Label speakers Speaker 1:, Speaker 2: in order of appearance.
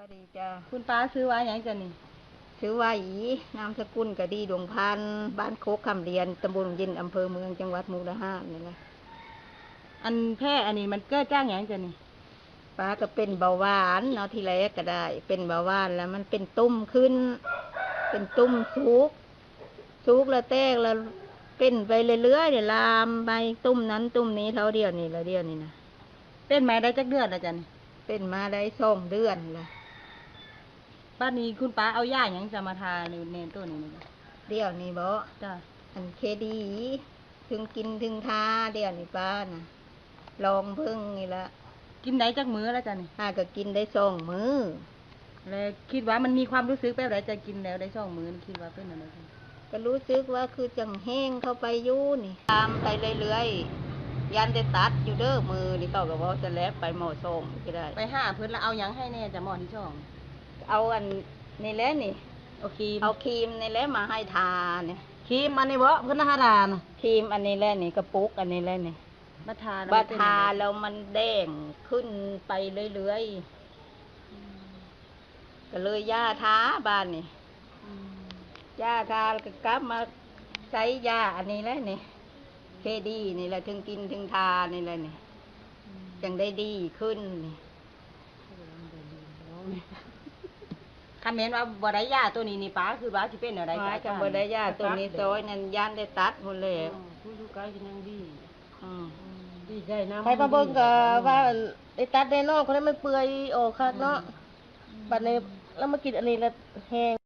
Speaker 1: วัสดีจ้า
Speaker 2: คุณป้าซื้อไว้อย่างจ้ะนี่
Speaker 1: ชื่อว่าอีนามสกุลกะดีดวงพันธุ์บ้านโคกคำเรียนตำบลยินอำเภอเมืองจังหวัดมุกดาหารนี่แหละ
Speaker 2: อันแพร่อันนี้มันเกิดจ้างอย่างจ้ะนี่
Speaker 1: ป้าก็เป็นเบาหวานเนาะที่แรกก็ได้ เป็นเบาหวานแล้วมันเป็นตุ่มขึ้น เป็นตุ่มสุกแล้วแตกแล้วเป็นไปเรื่อยๆเดี๋ยวลามไปตุ่มนั้นตุ่มนี้เท่าเดียวนี่ละเดียวนี่นะ
Speaker 2: เป็นมาได้จักเดือนแล้วจ้ะนี่
Speaker 1: เป็นมาได้2 เดือนละ
Speaker 2: บ้านนี้คุณป้าเอาย่าอย่างจะมาทาในเนนตัวนี้นี่
Speaker 1: เดี๋ยวนี้บ่
Speaker 2: จ้ะ
Speaker 1: อันเคดีถึงกินถึงทาเดี๋ยวนี้ป้านะลองเพิ่งนี่ละ
Speaker 2: กินได้จักมื้อแล้วจ้ะนี่
Speaker 1: ก็กินได้2 มื้อ
Speaker 2: แล้วคิดว่ามันมีความรู้สึกแบบไหนจะกินแล้วได้2 มื้อนี่คิดว่าเป็นอะไรจ้ะ
Speaker 1: ก็รู้สึกว่าคือจังแห้งเข้าไปอยู่นี่ตามไปเรื่อยๆยันได้ตัดอยู่เด้อมือนี่เขาก็บอกจะแล้วไปหมอส่งก็ได้
Speaker 2: ไปหาเพิ่นแล้วเอาหยังให้แน่จ้ะหมอที่ช่อง
Speaker 1: เอาอันนี่แหละนี่
Speaker 2: โอเค
Speaker 1: เอาครีมนี่แหละมาให้ทาเนี่ย
Speaker 2: ครีมอันนี้บ่เพิ่นหาทาน
Speaker 1: ครีมอันนี้แหละนี่กระปุกอันนี้แหละนี่
Speaker 2: มาทา
Speaker 1: บาทาแล้วมันแดงขึ้นไปเรื่อยๆก็เลยย่าทาบ้านนี่ย่าทาก็กลับมาใช้ยาอันนี้แหละนี่เคดีนี่แหละถึงกินถึงทานี่แหละนี่จังได้ดีขึ้นนี่
Speaker 2: คอมเมนต์ว่าบ่ได้ยาตัวนี้นี่ป้าคือว่าสิเป็นอะไร
Speaker 1: ว่าจังบ่ได้ยาตัวนี้ซอยนั่นย่านได้ตัดหมดเลย
Speaker 2: ผู้อยู่ใกล้กันยังดี
Speaker 1: ดีใจนะ
Speaker 2: ไปมาเบิ่งก็ว่าได้ตัดได้นอกเขาได้มันเปื่อยออกคักเนาะบัดนี้แล้วมากินอันนี้แล้วแห้ง